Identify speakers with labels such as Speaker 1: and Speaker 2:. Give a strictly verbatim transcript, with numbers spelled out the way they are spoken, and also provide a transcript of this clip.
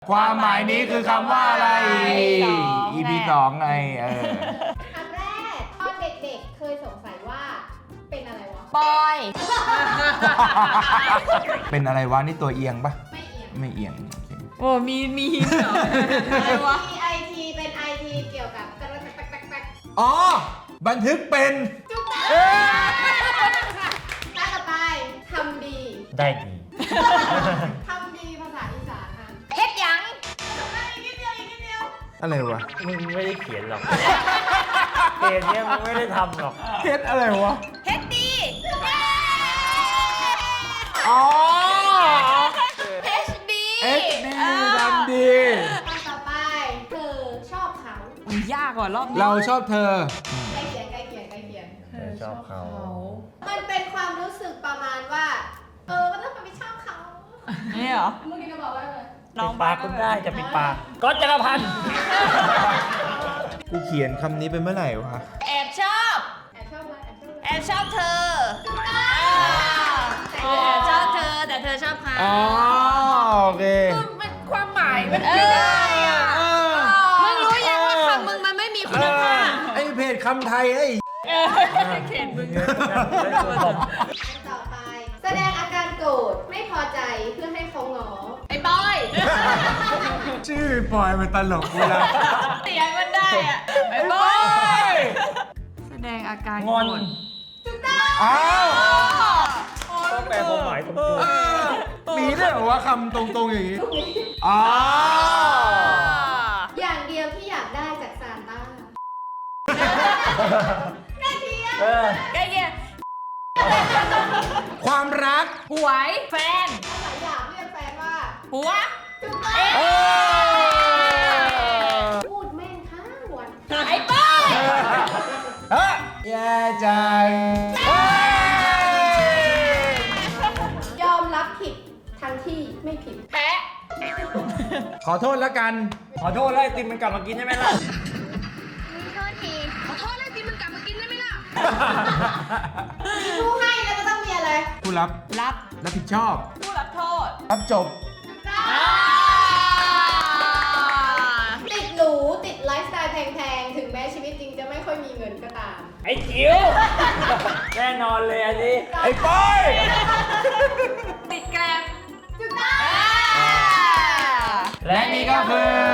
Speaker 1: ความหมายนี้คือคำว่าอะไร อี พี สองไงเออ
Speaker 2: คำแรกตอนเด็กๆเคยสงสัยว่าเป็นอะไรวะ
Speaker 3: บอย
Speaker 1: เป็นอะไรวะนี่ตัวเอียงปะ
Speaker 2: ไม่เอียง
Speaker 1: ไม่เอียงโอเค
Speaker 3: โอ้มีมีหินเหรออะไรวะ
Speaker 2: ที ไอ ที เป็น ไอ ที เกี่ยวกับแป๊กแป๊กแป๊กแป๊กแป๊ก
Speaker 1: อ๋อบันทึกเป็น
Speaker 2: จุ๊บตาต่อไปทำดี
Speaker 4: ได้ดี
Speaker 2: ทำดีภาษาอีสานค่ะ
Speaker 3: เฮ็ดหยัง
Speaker 2: อีกนิดเดียวอีกนิดเดียว
Speaker 1: อะไรวะ
Speaker 4: มึงไม่ได้เขียนหรอกเกมเนี้ยมึงไม่ได้ทำหรอก
Speaker 1: เฮ็ดอะไรวะ
Speaker 3: เฮ็ดดี
Speaker 1: อ๋อ
Speaker 3: เอชดี
Speaker 1: เอ็กดีดันดี
Speaker 2: ต่อไปเธอชอบเขา
Speaker 3: มันยากกว่ารอบนี้
Speaker 1: เราชอบเธอ
Speaker 2: ใกล้เคียงใกล้เคียงใกล้เคียง
Speaker 4: เธอชอบเขา
Speaker 2: มันเป็นความรู้สึกประมาณว่า เออมันต้องไปชอบเขา
Speaker 3: นี่เหรอ
Speaker 2: เมื่อกี้ก็บอกว่าอะไร
Speaker 4: ปิดปากคุณได้จะปิดปากก็จักรพันธ์
Speaker 1: กูเขียนคำนี้ไปเมื่อไหร่วะ
Speaker 3: แอบชอบ
Speaker 2: แอบชอบไหมแอบชอบไหม
Speaker 3: แอบชอบเธอแอบชอบเธอแต่เธอชอบเขา
Speaker 1: อ๋อโอเค
Speaker 3: มันความหมายมันไม่ได้อ่ะมึงรู้ยังว่าคำมึงมันไม่มีคุณภาพ
Speaker 1: ไอ้เพจคำไทยไอ้
Speaker 3: เข็นมึง
Speaker 2: อันต่อไป แสดงอาการโกรธไม่พอใจเพื่อให้เขาง้อ
Speaker 3: ไอ้บอย
Speaker 1: ชื่อปอยมันตลกเวลา
Speaker 3: เสียงมันได้อ่ะไอ้บอย แสดงอาการ
Speaker 4: งอน
Speaker 1: อ้าว
Speaker 4: ต้องแปลความหมายตรง
Speaker 1: เออมีด้วยเหรอวะคำตรงๆอย่างนี้อ๋อ
Speaker 2: อย่างเดียวที่อยากได้จากซานต้าใกล้เคียง
Speaker 4: ๆเออ
Speaker 3: ใกล้เคียง
Speaker 1: ความรัก
Speaker 3: หวยแฟน
Speaker 2: หลายอย่างเรียกแฟนว่า
Speaker 3: หัว
Speaker 2: จุดต้
Speaker 1: เออ
Speaker 2: พูดแม่นทั้งวัน
Speaker 3: ไอ้บอย
Speaker 1: เฮ้ยแย่จังเฮ้ย
Speaker 2: ยอมรับผิดทั้งที่ไม่ผิด
Speaker 3: แปะ
Speaker 1: ขอโทษแล้วกัน
Speaker 4: ขอโทษแล้วไอติมมันกลับมากินใช่ไหมล่ะ
Speaker 3: โทษทีขอโทษเลยที่มันกลับมากินได้ไหมล่ะ
Speaker 2: มีผู้ให้แล้วก็ต้องมีอะไร
Speaker 1: ผู้รับ
Speaker 3: รับ
Speaker 1: รับผิดชอบ
Speaker 3: ผู้รับโทษ
Speaker 1: รับจบ
Speaker 2: ติดหรูติดไลฟ์สไตล์แพงๆ ถึงแม้ชีวิตจริงจะไม่ค่อยมีเงินก็ตาม
Speaker 4: ไอ้จิ๋วแน่นอนเลยอันนี้
Speaker 1: ไอ้ปอย
Speaker 3: ติดแกรม
Speaker 2: จุดต้
Speaker 1: และนี่ก็คือ